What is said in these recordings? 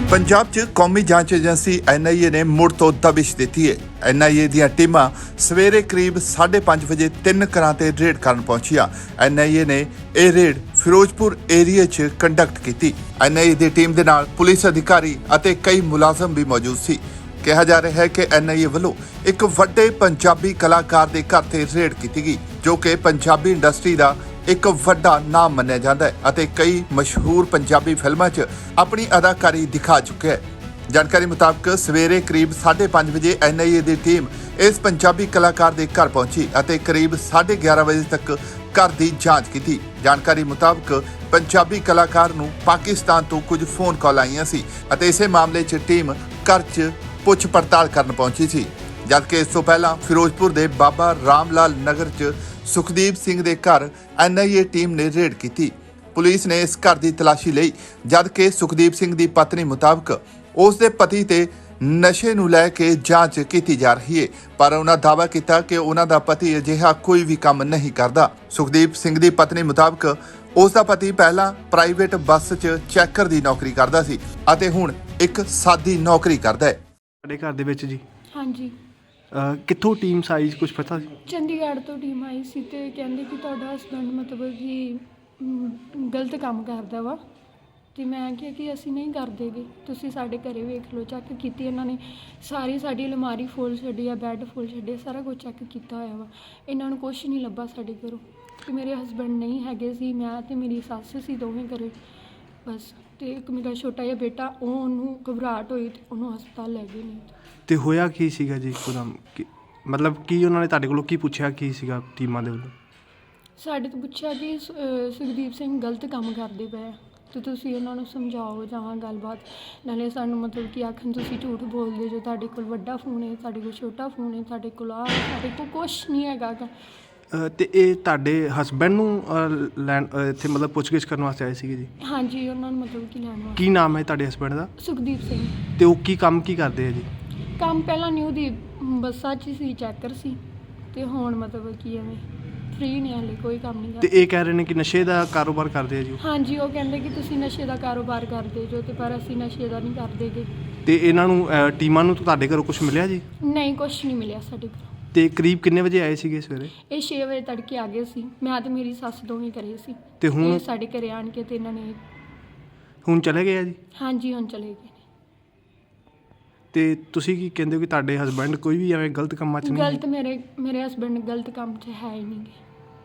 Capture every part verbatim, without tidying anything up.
ਪੰਜਾਬ 'ਚ ਕੌਮੀ ਜਾਂਚ ਏਜੰਸੀ ਐਨ ਆਈ ਏ ਨੇ ਮੁੜ ਤੋਂ ਦਬਿਸ਼ ਦਿੱਤੀ ਹੈ। ਐਨ ਆਈ ਏ ਦੀਆਂ ਟੀਮਾਂ ਸਵੇਰੇ ਕਰੀਬ ਸਾਢੇ ਪੰਜ ਵਜੇ ਤਿੰਨ ਘਰਾਂ ਤੇ ਰੇਡ ਕਰਨ ਪਹੁੰਚੀਆਂ। ਐਨ ਆਈ ਏ ਨੇ ਇਹ ਰੇਡ ਫਿਰੋਜ਼ਪੁਰ ਏਰੀਆ 'ਚ ਕੰਡਕਟ ਕੀਤੀ। N I A the team ਦੇ ਨਾਲ ਪੁਲਿਸ ਅਧਿਕਾਰੀ ਅਤੇ ਕਈ ਮੁਲਾਜ਼ਮ ਵੀ ਮੌਜੂਦ ਸੀ। ਕਿਹਾ ਜਾ ਰਿਹਾ ਹੈ ਕਿ ਐਨ ਆਈ ਏ ਵੱਲੋਂ ਇੱਕ ਵੱਡੇ ਪੰਜਾਬੀ ਕਲਾਕਾਰ ਦੇ ਘਰ ਤੇ ਰੇਡ ਕੀਤੀ ਗਈ, ਜੋ ਕਿ ਪੰਜਾਬੀ ਇੰਡਸਟਰੀ ਦਾ ਇੱਕ ਵੱਡਾ ਨਾਮ ਮੰਨਿਆ ਜਾਂਦਾ ਹੈ ਅਤੇ ਕਈ ਮਸ਼ਹੂਰ ਪੰਜਾਬੀ ਫਿਲਮਾਂ 'ਚ ਆਪਣੀ ਅਦਾਕਾਰੀ ਦਿਖਾ ਚੁੱਕਿਆ ਹੈ। ਜਾਣਕਾਰੀ ਮੁਤਾਬਕ ਸਵੇਰੇ ਕਰੀਬ ਸਾਢੇ ਪੰਜ ਵਜੇ ਐਨ ਆਈ ਏ ਦੀ ਟੀਮ ਇਸ ਪੰਜਾਬੀ ਕਲਾਕਾਰ ਦੇ ਘਰ ਪਹੁੰਚੀ ਅਤੇ ਕਰੀਬ ਸਾਢੇ ਗਿਆਰਾਂ ਵਜੇ ਤੱਕ ਘਰ ਦੀ ਜਾਂਚ ਕੀਤੀ। ਜਾਣਕਾਰੀ ਮੁਤਾਬਕ ਪੰਜਾਬੀ ਕਲਾਕਾਰ ਨੂੰ ਪਾਕਿਸਤਾਨ ਤੋਂ ਕੁਝ ਫੋਨ ਕਾਲ ਆਈਆਂ ਸੀ ਅਤੇ ਇਸੇ ਮਾਮਲੇ 'ਚ ਟੀਮ ਘਰ 'ਚ ਪੁੱਛ ਪੜਤਾਲ ਕਰਨ ਪਹੁੰਚੀ ਸੀ। ਜਦਕਿ ਇਸ ਤੋਂ ਪਹਿਲਾਂ ਫਿਰੋਜ਼ਪੁਰ ਦੇ ਬਾਬਾ ਰਾਮ ਲਾਲ ਨਗਰ 'ਚ ਸੁਖਦੀਪ ਸਿੰਘ ਦੇ ਘਰ ਐਨ ਆਈ ਏ ਟੀਮ ਨੇ ਰੇਡ ਕੀਤੀ। ਪੁਲਿਸ ਨੇ ਇਸ ਘਰ ਦੀ ਤਲਾਸ਼ੀ ਲਈ, ਜਦਕਿ ਸੁਖਦੀਪ ਸਿੰਘ ਦੀ ਪਤਨੀ ਮੁਤਾਬਕ ਉਸ ਦੇ ਪਤੀ ਤੇ ਨਸ਼ੇ ਨੂੰ ਲੈ ਕੇ ਜਾਂਚ ਕੀਤੀ ਜਾ ਰਹੀ ਹੈ, ਪਰ ਉਹਨਾਂ ਦਾਅਵਾ ਕੀਤਾ ਕਿ ਉਹਨਾਂ ਦਾ ਪਤੀ ਅਜਿਹਾ ਕੋਈ ਵੀ ਕੰਮ ਨਹੀਂ ਕਰਦਾ। ਸੁਖਦੀਪ ਸਿੰਘ ਦੀ ਪਤਨੀ ਮੁਤਾਬਕ ਉਸ ਦਾ ਪਤੀ ਪਹਿਲਾਂ ਪ੍ਰਾਈਵੇਟ ਬੱਸ 'ਚ ਚੈਕਰ ਦੀ ਨੌਕਰੀ ਕਰਦਾ ਸੀ ਅਤੇ ਹੁਣ ਇੱਕ ਸਾਦੀ ਨੌਕਰੀ ਕਰਦਾ ਹੈ। ਸਾਡੇ ਘਰ ਦੇ ਵਿੱਚ ਜੀ ਹਾਂਜੀ ਅਹ ਕਿੱਥੋਂ ਟੀਮ ਸਾਈਜ਼ ਕੁਝ ਪਤਾ ਸੀ? ਚੰਡੀਗੜ੍ਹ ਤੋਂ ਟੀਮ ਆਈ ਸੀ ਤੇ ਕਹਿੰਦੇ ਕਿ ਤੁਹਾਡਾ ਹਸਬੈਂਡ ਮਤਲਬ ਕਿ ਅਮ, ਗਲਤ ਕੰਮ ਕਰਦਾ ਵਾ। ਤੇ ਮੈਂ ਕਿਹਾ ਕਿ ਅਸੀਂ ਨਹੀਂ ਕਰਦੇਗੇ, ਤੁਸੀਂ ਸਾਡੇ ਘਰੇ ਵੇਖ ਲਓ। ਚੈੱਕ ਕੀਤੀ ਇਹਨਾਂ ਨੇ, ਸਾਰੀ ਸਾਡੀ ਅਲਮਾਰੀ ਫੁੱਲ ਛੱਡੀ ਆ, ਬੈੱਡ ਫੁੱਲ ਛੱਡੇ, ਸਾਰਾ ਕੁਝ ਚੈੱਕ ਕੀਤਾ ਹੋਇਆ ਵਾ। ਇਹਨਾਂ ਨੂੰ ਕੁਝ ਨਹੀਂ ਲੱਭਾ ਸਾਡੇ ਘਰੋਂ ਕਿ ਮੇਰੇ ਹਸਬੈਂਡ ਨਹੀਂ ਹੈਗੇ ਸੀ, ਮੈਂ ਤੇ ਮੇਰੀ ਸੱਸ ਸੀ ਦੋਵੇਂ ਘਰੇ ਬਸ। ਤੇ ਇੱਕ ਮੇਰਾ ਛੋਟਾ ਜਿਹਾ ਬੇਟਾ, ਉਹ ਉਹਨੂੰ ਘਬਰਾਹਟ ਹੋਈ ਤੇ ਉਹਨੂੰ ਹਸਪਤਾਲ ਲੈ ਗਏ। ਨਹੀਂ ਤੇ ਹੋਇਆ ਕੀ ਸੀਗਾ ਜੀ ਇੱਕਦਮ? ਕੀ ਮਤਲਬ ਕੀ ਉਹਨਾਂ ਨੇ ਤੁਹਾਡੇ ਕੋਲੋਂ ਕੀ ਪੁੱਛਿਆ, ਕੀ ਸੀਗਾ ਟੀਮਾਂ ਦੇ ਵੱਲੋਂ? ਸਾਡੇ ਤੋਂ ਪੁੱਛਿਆ ਕਿ ਸੁ- ਅਹ ਸੁਖਦੀਪ ਸਿੰਘ ਗਲਤ ਕੰਮ ਕਰਦੇ ਪਏ ਤੇ ਤੁਸੀਂ ਉਹਨਾਂ ਨੂੰ ਸਮਝਾਓ ਜਾਂ ਗੱਲਬਾਤ। ਨਾਲੇ ਸਾਨੂੰ ਮਤਲਬ ਕਿ ਆਖਣ ਤੁਸੀਂ ਝੂਠ ਬੋਲਦੇ ਜੋ, ਤੁਹਾਡੇ ਕੋਲ ਵੱਡਾ ਫੋਨ ਹੈ, ਤੁਹਾਡੇ ਕੋਲ ਛੋਟਾ ਫੋਨ ਹੈ, ਤੁਹਾਡੇ ਕੋਲ ਆ, ਸਾਡੇ ਕੋਲ ਕੁਛ ਨਹੀਂ ਹੈਗਾ ਗਾ। ਅਹ ਤੇ ਇਹ ਤੁਹਾਡੇ ਹਸਬੈਂਡ ਨੂੰ ਅਹ, ਲੈਣ ਅਹ, ਇੱਥੇ ਮਤਲਬ ਪੁੱਛਗਿੱਛ ਕਰਨ ਵਾਸਤੇ ਆਏ ਸੀਗੇ ਜੀ? ਹਾਂਜੀ, ਉਹਨਾਂ ਨੂੰ ਮਤਲਬ ਕਿ ਲੈਣ ਵਾਸਤੇ। ਕੀ ਨਾਮ ਹੈ ਤੁਹਾਡੇ ਹਸਬੈਂਡ ਦਾ? ਸੁਖਦੀਪ ਸਿੰਘ। ਤੇ ਉਹ ਕੀ ਕੰਮ ਕੀ ਕਰਦੇ ਆ ਜੀ? ਕੰਮ ਪਹਿਲਾਂ ਨਿਊ ਦੀ ਬੱਸਾਂ 'ਚ ਸੀ, ਚੈਕਰ ਸੀ, ਤੇ ਹੁਣ ਮਤਲਬ ਕਿ ਐਵੇਂ ਫ੍ਰੀ ਨੇ, ਹਾਲੇ ਕੋਈ ਕੰਮ ਨਹੀਂ ਤੇ ਕਰਦੇ। ਇਹ ਕਹਿ ਰਹੇ ਨੇ ਕਿ ਨਸ਼ੇ ਦਾ ਕਾਰੋਬਾਰ ਕਰਦੇ ਆ ਜੀ ਉਹ? ਹਾਂਜੀ, ਉਹ ਕਹਿੰਦੇ ਕਿ ਤੁਸੀਂ ਨਸ਼ੇ ਦਾ ਕਾਰੋਬਾਰ ਕਰਦੇ ਜੋ, ਤੇ ਪਰ ਅਸੀਂ ਨਸ਼ੇ ਦਾ ਨਹੀਂ ਕਰਦੇ ਗੇ। ਤੇ ਇਹਨਾਂ ਨੂੰ ਅਹ, ਟੀਮਾਂ ਨੂੰ ਤੁਹਾਡੇ ਘਰੋਂ ਕੁਝ ਮਿਲਿਆ ਜੀ? ਨਹੀਂ, ਕੁਛ ਨਹੀਂ ਮਿਲਿਆ ਸਾਡੇ ਕੋਲ। ਤੇ ਕਰੀਬ ਕਿੰਨੇ ਵਜੇ ਆਏ ਸੀਗੇ ਸਵੇਰੇ? ਇਹ ਛੇ ਵਜੇ ਤੜਕੇ ਆ ਗਏ ਸੀ, ਮੈਂ ਤੇ ਮੇਰੀ ਸੱਸ ਦੋਵੇਂ ਘਰੇ ਸੀ। ਤੇ ਹੁਣ ਇਹ ਸਾਡੇ ਘਰੇ ਆਣ ਕੇ ਤੇ ਇਹਨਾਂ ਨੇ ਹੁਣ ਚਲੇ ਗਏ ਆ ਜੀ? ਹਾਂਜੀ ਹੁਣ ਚਲੇ ਗਏ ਤੇ ਤੁਸੀਂ ਕੀ ਕਹਿੰਦੇ ਹੋ ਕਿ ਤੁਹਾਡੇ ਹਸਬੈਂਡ ਕੋਈ ਵੀ ਐਵੇਂ ਗਲਤ ਕੰਮਾਂ 'ਚ ਨੇ। ਨਹੀਂ ਗਲਤ ਮੇਰੇ ਮੇਰੇ ਹਸਬੈਂਡ ਗਲਤ ਕੰਮ 'ਚ ਹੈ ਹੀ ਨਹੀਂ ਗੇ।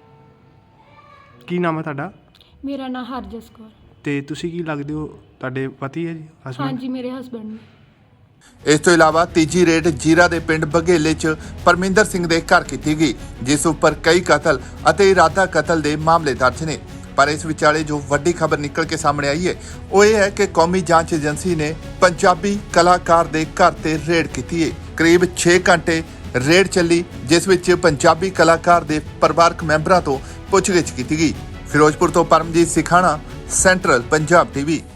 ਕੀ ਨਾਮ ਹੈ ਤੁਹਾਡਾ? ਮੇਰਾ ਨਾਂ ਹਰਜਸ ਕੌਰ। ਤੇ ਤੁਸੀਂ ਕੀ ਲੱਗਦੇ ਹੋ, ਤੁਹਾਡੇ ਪਤੀ ਹੈ ਜੀ ਹਸਬੈਂਡ? ਹਾਂਜੀ, ਮੇਰੇ ਹਸਬੈਂਡ ਨੇ। ਇਸ ਤੋਂ ਇਲਾਵਾ ਤੀਜੀ ਰੇਡ ਜੀਰਾ ਦੇ ਪਿੰਡ ਬਘੇਲੇ 'ਚ ਪਰਮਿੰਦਰ ਸਿੰਘ ਦੇ ਘਰ ਕੀਤੀ ਗਈ, ਜਿਸ ਉੱਪਰ ਕਈ ਕਤਲ ਅਤੇ ਇਰਾਦਾ ਕਤਲ ਦੇ ਮਾਮਲੇ ਦਰਜ ਨੇ। ਪਰ ਇਸ ਵਿਚਾਲੇ ਜੋ ਵੱਡੀ ਖਬਰ ਨਿਕਲ ਕੇ ਸਾਹਮਣੇ ਆਈ ਹੈ ਉਹ ਇਹ ਹੈ ਕਿ ਕੌਮੀ ਜਾਂਚ ਏਜੰਸੀ ਨੇ ਪੰਜਾਬੀ ਕਲਾਕਾਰ ਦੇ ਘਰ ਤੇ ਰੇਡ ਕੀਤੀ ਹੈ। ਕਰੀਬ ਛੇ ਘੰਟੇ ਰੇਡ ਚੱਲੀ, ਜਿਸ ਵਿੱਚ ਪੰਜਾਬੀ ਕਲਾਕਾਰ ਦੇ ਪਰਿਵਾਰਕ ਮੈਂਬਰਾਂ ਤੋਂ ਪੁੱਛਗਿੱਛ ਕੀਤੀ ਗਈ। ਫਿਰੋਜ਼ਪੁਰ ਤੋਂ ਪਰਮਜੀਤ ਸਿਖਾਣਾ, ਸੈਂਟਰਲ ਪੰਜਾਬ ਟੀਵੀ।